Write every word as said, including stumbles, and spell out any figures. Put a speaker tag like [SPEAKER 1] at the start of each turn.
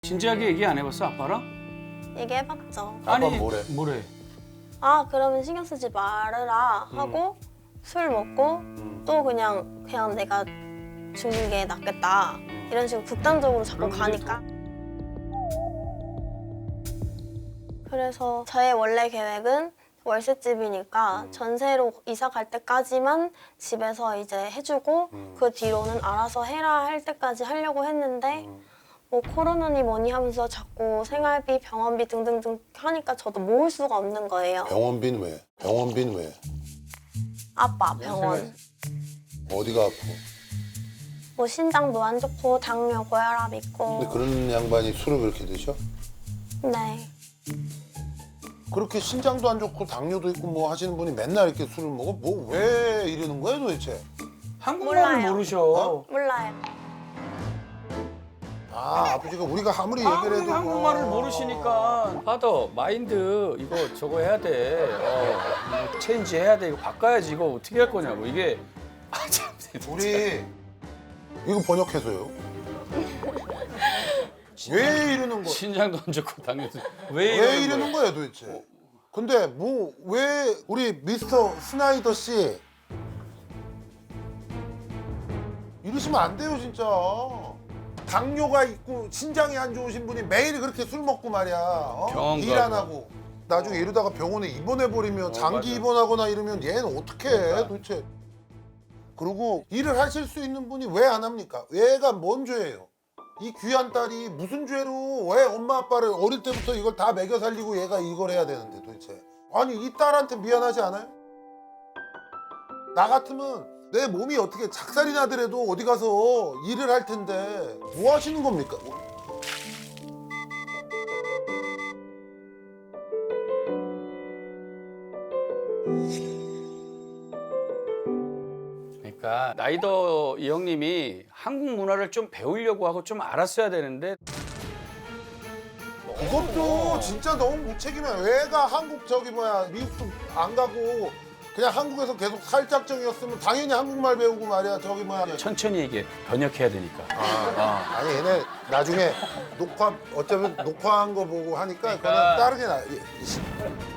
[SPEAKER 1] 진지하게 얘기 안 해봤어, 아빠랑?
[SPEAKER 2] 얘기해봤죠.
[SPEAKER 3] 아빠 뭐래?
[SPEAKER 1] 뭐래?
[SPEAKER 2] 아 그러면 신경 쓰지 말아라 하고 술 먹고
[SPEAKER 3] 음.
[SPEAKER 2] 또 그냥 그냥 내가 죽는 게 낫겠다 이런 식으로 극단적으로 자꾸
[SPEAKER 1] 그런
[SPEAKER 2] 가니까. 그래서 저의 원래 계획은 월세집이니까
[SPEAKER 3] 음.
[SPEAKER 2] 전세로 이사 갈 때까지만 집에서 이제 해주고
[SPEAKER 3] 음.
[SPEAKER 2] 그 뒤로는 알아서 해라 할 때까지 하려고 했는데
[SPEAKER 3] 음.
[SPEAKER 2] 뭐 코로나니 뭐니 하면서 자꾸 생활비, 병원비 등등등 하니까 저도 모을 수가 없는 거예요.
[SPEAKER 3] 병원비는 왜? 병원비는 왜?
[SPEAKER 2] 아빠 병원.
[SPEAKER 3] 어디가 아프?
[SPEAKER 2] 뭐 신장도 안 좋고 당뇨, 고혈압 있고.
[SPEAKER 3] 근데 그런 양반이 술을 그렇게 드셔?
[SPEAKER 2] 네.
[SPEAKER 3] 그렇게 신장도 안 좋고 당뇨도 있고 뭐 하시는 분이 맨날 이렇게 술을 먹어? 뭐 왜 이러는 거야 도대체?
[SPEAKER 1] 한국말을
[SPEAKER 2] 몰라요.
[SPEAKER 1] 모르셔.
[SPEAKER 3] 어?
[SPEAKER 2] 몰라요.
[SPEAKER 3] 아 아버지가 우리가 아무리 얘기를
[SPEAKER 1] 아무리
[SPEAKER 3] 해도
[SPEAKER 1] 한국말을
[SPEAKER 3] 어.
[SPEAKER 1] 모르시니까 파더 마인드 이거 저거 해야 돼. 어, 이거 체인지 해야 돼. 이거 바꿔야지. 이거 어떻게 할 거냐고. 이게 아참
[SPEAKER 3] 우리 이거 번역해서요. 왜 이러는 거야?
[SPEAKER 1] 신장도 안 좋고 당뇨도 왜,
[SPEAKER 3] 왜
[SPEAKER 1] 이러는
[SPEAKER 3] 이러는
[SPEAKER 1] 거야?
[SPEAKER 3] 거야 도대체? 근데 뭐 왜 우리 미스터 스나이더 씨 이러시면 안 돼요 진짜. 당뇨가 있고 신장이 안 좋으신 분이 매일 그렇게 술 먹고 말이야. 어?
[SPEAKER 1] 병원
[SPEAKER 3] 일 안
[SPEAKER 1] 가고.
[SPEAKER 3] 하고 나중에 이러다가 병원에 입원해 버리면
[SPEAKER 1] 어,
[SPEAKER 3] 장기
[SPEAKER 1] 맞아.
[SPEAKER 3] 입원하거나 이러면 얘는 어떻게 해
[SPEAKER 1] 그러니까.
[SPEAKER 3] 도대체? 그리고 일을 하실 수 있는 분이 왜 안 합니까? 얘가 뭔 죄예요? 이 귀한 딸이 무슨 죄로 왜 엄마 아빠를 어릴 때부터 이걸 다 먹여 살리고 얘가 이걸 해야 되는데 도대체. 아니 이 딸한테 미안하지 않아요? 나 같으면 내 몸이 어떻게 작살이 나더라도 어디 가서 일을 할 텐데 뭐 하시는 겁니까?
[SPEAKER 1] 그러니까 나이더 이 형님이 한국 문화를 좀 배우려고 하고 좀 알았어야 되는데
[SPEAKER 3] 그것도 진짜 너무 무책임해. 왜가 한국 저기 뭐야 미국도 안 가고 그냥 한국에서 계속 살짝정이었으면 당연히 한국말 배우고 말이야 저기 뭐야.
[SPEAKER 1] 천천히 얘기해. 번역해야 되니까.
[SPEAKER 3] 아, 아니 얘네 나중에 녹화 어쩌면 녹화한 거 보고 하니까
[SPEAKER 1] 그러니까.
[SPEAKER 3] 그거는 다르게 나. 이- 이-